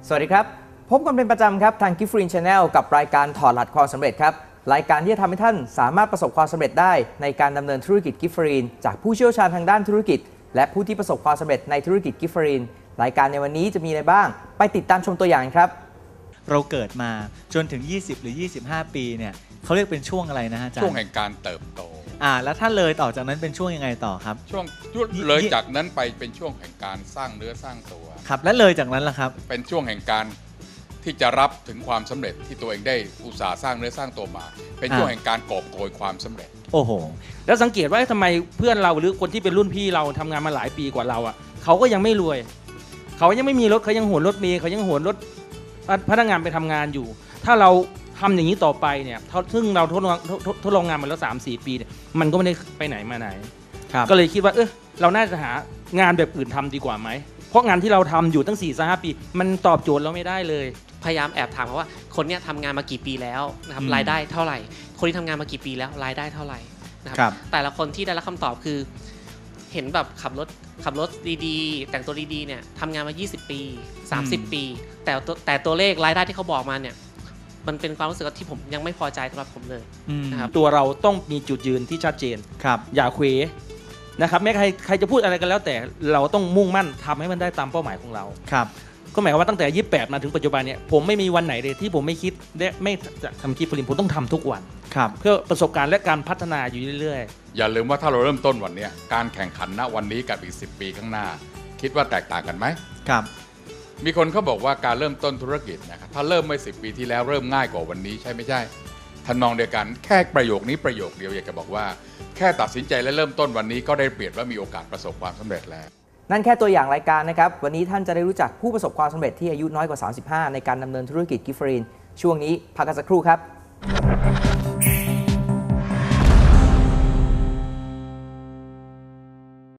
สวัสดีครับพบกันเป็นประจำครับทาง Gift Green Channel กับรายการถอดรหัสความสำเร็จครับรายการที่จะทำให้ท่านสามารถประสบความสำเร็จได้ในการดำเนินธุรกิจ Gift Green จากผู้เชี่ยวชาญทางด้านธุรกิจและผู้ที่ประสบความสำเร็จในธุรกิจ Gift Green รายการในวันนี้จะมีอะไรบ้างไปติดตามชมตัวอย่างครับเราเกิดมาจนถึง20หรือ25ปีเนี่ยเขาเรียกเป็นช่วงอะไรนะฮะอาจารย์ช่วงแห่งการเติบโตแล้วถ้าเลยต่อจากนั้นเป็นช่วงยังไงต่อครับช่วงเลยจากนั้นไปเป็นช่วงแห่งการสร้างเนื้อสร้างตัวครับและเลยจากนั้นล่ะครับเป็นช่วงแห่งการที่จะรับถึงความสำเร็จที่ตัวเองได้อุตสาห์สร้างเนื้อสร้างตัวมาเป็นช่วงแห่งการกอบโกยความสำเร็จโอ้โหแล้วสังเกตว่าทำไมเพื่อนเราหรือคนที่เป็นรุ่นพี่เราทำงานมาหลายปีกว่าเราอ่ะเขาก็ยังไม่รวยเขายังไม่มีรถเขายังโหนรถเมล์เขายังโหนรถพนักงานไปทำงานอยู่ถ้าเราทำอย่างนี้ต่อไปเนี่ยซึ่งเราทดลองงานมาแล้ว 3-4 ปีเนี่ยมันก็ไม่ได้ไปไหนมาไหนก็เลยคิดว่าเราน่าจะหางานแบบอื่นทำดีกว่าไหมเพราะงานที่เราทำอยู่ตั้ง 4-5 ปีมันตอบโจทย์เราไม่ได้เลยพยายามแอบถามเขาว่าคนเนี้ยทำงานมากี่ปีแล้วนะครับรายได้เท่าไหร่คนที่ทำงานมากี่ปีแล้วรายได้เท่าไหร่นะครับแต่ละคนที่ได้รับคำตอบคือเห็นแบบขับรถดีๆแต่งตัวดีๆเนี่ยทำงานมา20 ปี30 ปีแต่ตัวเลขรายได้ที่เขาบอกมาเนี่ยมันเป็นความรู้สึกที่ผมยังไม่พอใจสำหรับผมเลยนะครับตัวเราต้องมีจุดยืนที่ชัดเจนอย่าเขวนะครับแม้ใครจะพูดอะไรกันแล้วแต่เราต้องมุ่งมั่นทำให้มันได้ตามเป้าหมายของเราก็หมายความว่าตั้งแต่28มาถึงปัจจุบันเนี่ยผมไม่มีวันไหนเลยที่ผมไม่คิดและไม่จะทำGift Greenผมต้องทำทุกวันเพื่อประสบการณ์และการพัฒนาอยู่เรื่อยๆอย่าลืมว่าถ้าเราเริ่มต้นวันนี้การแข่งขันณวันนี้กับอีก10 ปีข้างหน้าคิดว่าแตกต่างกันไหมครับมีคนเขาบอกว่าการเริ่มต้นธุรกิจนะครับถ้าเริ่มไม่10 ปีที่แล้วเริ่มง่ายกว่าวันนี้ใช่ไม่ใช่ทำนองเดียวกันแค่ประโยคนี้ประโยคเดียวอยากจะบอกว่าแค่ตัดสินใจและเริ่มต้นวันนี้ก็ได้เปรียบและมีโอกาสประสบความสำเร็จแล้วนั่นแค่ตัวอย่างรายการนะครับวันนี้ท่านจะได้รู้จักผู้ประสบความสำเร็จที่อายุน้อยกว่า35ในการดำเนินธุรกิจ Gift Green ช่วงนี้พักกันสักครู่ครับ